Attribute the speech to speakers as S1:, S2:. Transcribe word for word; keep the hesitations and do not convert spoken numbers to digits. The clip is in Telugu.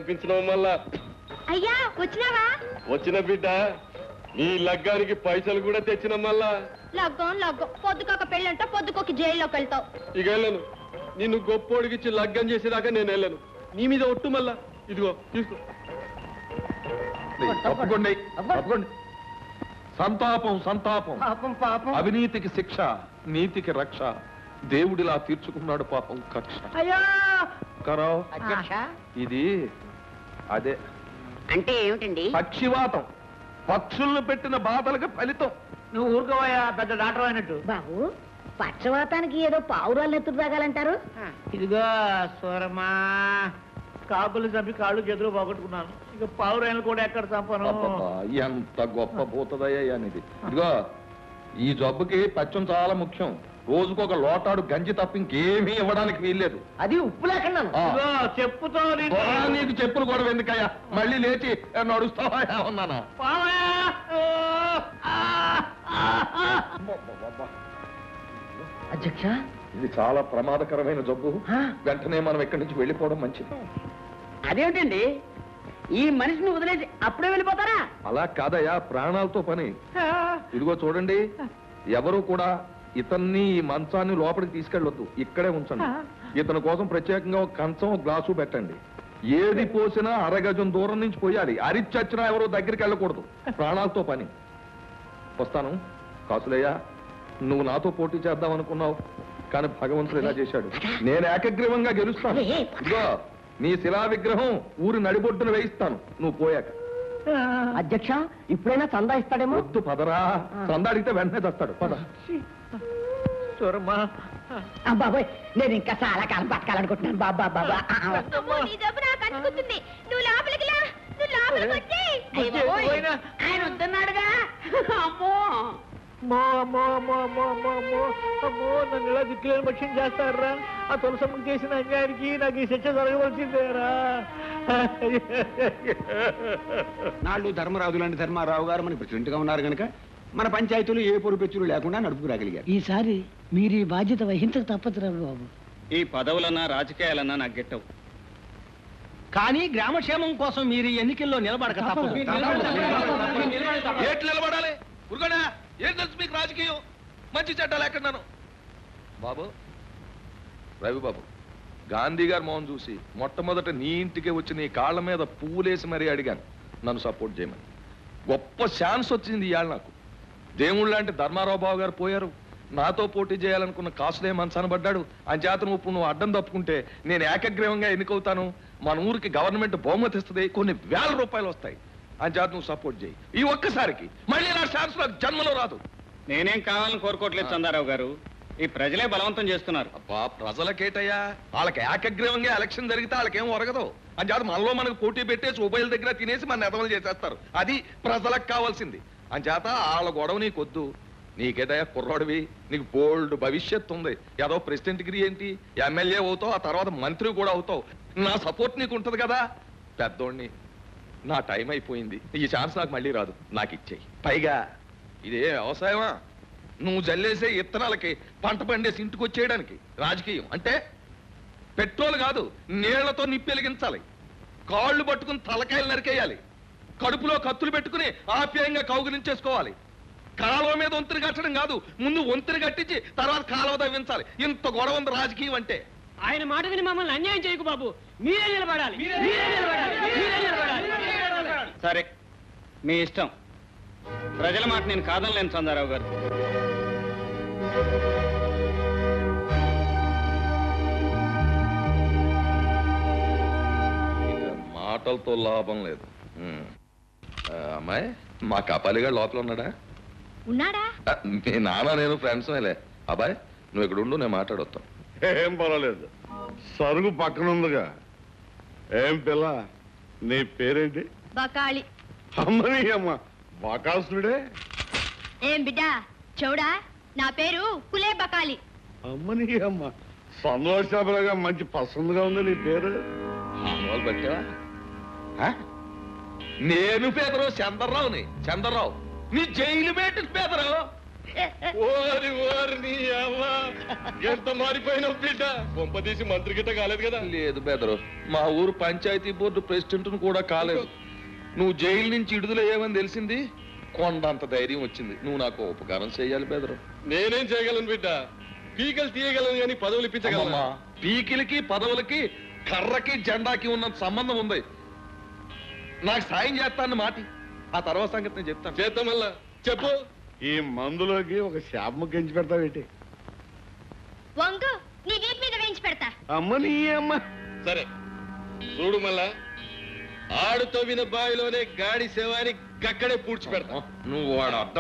S1: తెప్పించినావు మళ్ళా.
S2: అయ్యా వచ్చినావా?
S1: వచ్చిన బిడ్డ, నీ లగ్గానికి పైసలు కూడా తెచ్చిన మళ్ళా.
S2: లగ్గం లగ్గం పొద్దుకొక పెళ్ళంట, పొద్దుకొక జైల్లోకి వెళ్తావు.
S1: ఇక వెళ్ళను. నిన్ను గొప్పోడికిచ్చి లగ్గం చేసేదాకా నేను వెళ్ళను. నీ మీద ఒట్టు మళ్ళా. ఇదిగో తీసుకో.
S3: తప్పకుండా తప్పకుండా. సంతాపం సంతాపం. అవినీతికి శిక్ష, నీతికి రక్ష. దేవుడిలా తీర్చుకున్నాడు పాపం కక్ష. కరావ్ ఇది అదే
S4: అంటే ఏమిటండి?
S3: పక్షివాతం. పక్షులను పెట్టిన బాధలకు ఫలితం.
S5: నువ్వు ఊరుకోవయ్యా, పెద్ద డాక్టర్ అయినట్టు.
S4: బాబు, పక్షవాతానికి ఏదో పావురాలు ఎత్తుకు తాగాలంటారు.
S5: ఇదిగో సూరమ్మా, కాకులు చంపి కాళ్ళు చేతులు పోగొట్టుకున్నాను. ఇక పావురాయలు కూడా ఎక్కడ చంపను.
S3: ఎంత గొప్ప పోతుందయ్యా అనేది. ఇదిగో ఈ జబ్బుకి పచ్చం చాలా ముఖ్యం. రోజుకొక లోటాడు గంజి తప్ప ఇంకేమీ ఇవ్వడానికి వీల్లేదు.
S5: అది ఉప్పు లేకుండా చెప్పుతో
S3: నీకు చెప్పులు కూడా ఎందుకయ్యా? మళ్ళీ లేచి నడుస్తావా ఉన్నానా?
S5: అధ్యక్ష,
S3: ఇది చాలా ప్రమాదకరమైన జబ్బు. వెంటనే మనం ఇక్కడి నుంచి వెళ్ళిపోవడం మంచిది.
S4: అదేమిటండి, ఈ మనిషిని వదిలేసి అప్పుడే వెళ్ళిపోతారా?
S3: అలా కాదయ్యా, ప్రాణాలతో పని. ఇదిగో చూడండి, ఎవరు కూడా ఇతన్ని ఈ మంచాన్ని లోపలికి తీసుకెళ్ళొద్దు, ఇక్కడే ఉంచండి. ఇతని కోసం ప్రత్యేకంగా ఒక కంచం, ఒక గ్లాసు పెట్టండి. ఏది పోసినా అరగజం దూరం నుంచి పోయాలి. అరిచచ్చినా ఎవరో దగ్గరికి వెళ్ళకూడదు. ప్రాణాలతో పని. వస్తాను. కాసులయ్యా, నువ్వు నాతో పోటీ చేద్దాం అనుకున్నావు, కానీ భగవంతుడు ఇలా చేశాడు. నేను ఏకగ్రీవంగా గెలుస్తాను. ఇదిగో నీ శిలా విగ్రహం ఊరి నడిబొడ్డున వేయిస్తాను నువ్వు పోయాక.
S4: అధ్యక్ష, ఇప్పుడైనా చందా ఇస్తాడేమో.
S3: వద్దు పదరా. చందా అడిగితే వెంటనే తెస్తాడు. పద.
S4: బాబాయ్, నేను ఇంకా చాలా కాలం బతకాలనుకుంటున్నాను. బాబా బాబా ఆయన వద్దన్నాడుగా. అమ్మో
S5: అమ్మో అమ్మో అమ్మో అమ్మో అమ్మో అమ్మో అమ్మో, నన్ను ఇలా దిక్కులేని పక్షం చేస్తారా? ఆ తులసమ్మకి చేసిన అన్యాయానికి నాకు ఈ శిక్ష జరగవలసిందేరా?
S6: నాళ్ళు ధర్మరాజు లాంటి ధర్మారావు గారు మన ప్రెసిడెంట్ గా ఉన్నారు కనుక మన పంచాయతీలు ఏ పొరుపెచ్చులు లేకుండా నడుపుకురాగలిగారు.
S4: ఈసారి మీరు ఈ బాధ్యత వహించక తప్పదు రా బాబు.
S7: ఈ పదవులన్నా రాజకీయాలన్నా నాకు గెట్టవు,
S5: కానీ గ్రామక్షేమం కోసం మీరు ఎన్నికల్లో నిలబడక తప్పదు.
S3: ఏట్లు నిలబడాలి? ఉరుగనా? ఏం తెలుసు మీకు రాజకీయం? మంచి చెడ్డాలు ఎక్కడున్నాను బాబు. రవి బాబు, గాంధీ గారు మోహన్ చూసి మొట్టమొదట నీ ఇంటికి వచ్చి నీ కాళ్ళ మీద పువ్వులేసి మరీ అడిగాను నన్ను సపోర్ట్ చేయమని. గొప్ప ఛాన్స్ వచ్చింది ఇవాళ నాకు. దేవుళ్ళు లాంటి ధర్మారావు బాబు గారు పోయారు. నాతో పోటీ చేయాలనుకున్న కాసులే మనసనబడ్డాడు. అంచేతను ఇప్పుడు నువ్వు అడ్డం తప్పుకుంటే నేను ఏకగ్రీవంగా ఎన్నికవుతాను. మన ఊరికి గవర్నమెంట్ బహుమతి ఇస్తుంది, కొన్ని వేల రూపాయలు వస్తాయి. అంచేత నువ్వు సపోర్ట్ చేయి. ఈ ఒక్కసారికి మళ్ళీ నా ఛాన్స్ నాకు జన్మలో రాదు.
S7: నేనేం కావాలని కోరుకోవట్లేదు చందారావు గారు, ఈ ప్రజలే బలవంతం చేస్తున్నారు.
S3: అబ్బా, ప్రజలకేటయ్యా? వాళ్ళకి ఏకగ్రీవంగా ఎలక్షన్ జరిగితే వాళ్ళకేం ఒరగదు. అంచేత మనలో మనకు పోటీ పెట్టేసి ఉభయల దగ్గర తినేసి మన నెదవలు చేసేస్తారు. అది ప్రజలకు కావాల్సింది. అంచేత వాళ్ళ గొడవ నీకొద్దు. నీకేదయ్యా కుర్రాడివి, నీకు బోల్డ్ భవిష్యత్తు ఉంది. ఏదో ప్రెసిడెంట్ డిగ్రీ ఏంటి, ఎమ్మెల్యే అవుతావు, ఆ తర్వాత మంత్రి కూడా అవుతావు. నా సపోర్ట్ నీకు ఉంటది కదా. పెద్దోడిని, నా టైం అయిపోయింది. ఈ ఛాన్స్ నాకు మళ్ళీ రాదు. నాకు ఇచ్చేయి. పైగా ఇదే వ్యవసాయమా? నువ్వు జల్లేసే ఇత్తనాలకి పంట పండేసి ఇంటికి వచ్చేయడానికి రాజకీయం అంటే పెట్రోల్ కాదు, నీళ్లతో నిప్పెలిగించాలి. కాళ్ళు పట్టుకుని తలకాయలు నరికేయాలి. కడుపులో కత్తులు పెట్టుకుని ఆప్యాయంగా కౌగులించేసుకోవాలి. కాలువ మీద వంతుని కట్టడం కాదు, ముందు వంతుని కట్టించి తర్వాత కాలువ తవ్వించాలి. ఇంత గొడవ ఉంది రాజకీయం అంటే.
S5: ఆయన మాట విని మమ్మల్ని అన్యాయం చేయకు బాబు. మీరే నిలబడాలి.
S7: సరే, మీ ఇష్టం. ప్రజల మాట నేను కాదనలేను చందారావు గారు.
S3: మాటలతో లాభం లేదు. అమ్మాయి, మా కపాలిగా లోపల ఉన్నాడా?
S2: ఉన్నాడా?
S3: మీ నాన్న నేను ఫ్రెండ్స్ మేలే. అబ్బాయి, నువ్వు ఇక్కడ ఉండు, నేను మాట్లాడొస్తాను.
S1: ఏం పర్వాలేదు, సరుగు పక్కన ఉందిగా. ఏం పిల్ల, నీ పేరేంటి?
S2: బకాళి.
S1: అమ్మని అమ్మ, బకాసుడే.
S2: ఏం బిడ్డా చౌడా, నా పేరు కులే బకాలి.
S1: అమ్మని అమ్మ, సంతోషాలుగా మంచి పసందుగా ఉంది నీ పేరు.
S3: ఆనవాళ్ళు పట్టావా? నేను పేదరావు చంద్రరావుని. చంద్రరావు నీ జైలు పెట్టి పేదరావు.
S1: ఓరి ఓరి నీ అవ్వ ఎంత మారిపోయినావు బిడ్డ కొంపదీసి మంత్రి గిట్ట కాలేదు కదా
S3: లేదు బెదరు మా ఊరు పంచాయతీ బోర్డు ప్రెసిడెంట్ కూడా కాలేదు నువ్వు జైలు నుంచి విడుదలయ్యావని తెలిసింది కొండంత ధైర్యం వచ్చింది నువ్వు నాకు ఉపకారం చేయాలి బెదరు
S1: నేనేం చేయగలను బిడ్డ పీకలు తీయగలను కానీ పదవులు ఇప్పించగలను
S3: అమ్మమ్మా, పీకిలికి పదవులకి కర్రకి జెండాకి ఉన్నంత సంబంధం ఉంది నాకు సాయం చేస్తాను మాటి ఆ తర్వాత సంగతి నేను చెప్తాను
S1: చేద్దాం మళ్ళా చెప్పు
S8: ఈ మందులోకి ఒక శాపము గెంచి పెడతావేటి
S2: వంగు నీ వీపు మీద వేయించి పెడతా
S8: అమ్మ నీ అమ్మ
S1: సరే చూడు మళ్ళా ఆడుతో విన బావిలోనే గాడి సేవాని గక్కడే పూడ్చి పెడతా
S3: నువ్వు వాడు అర్థం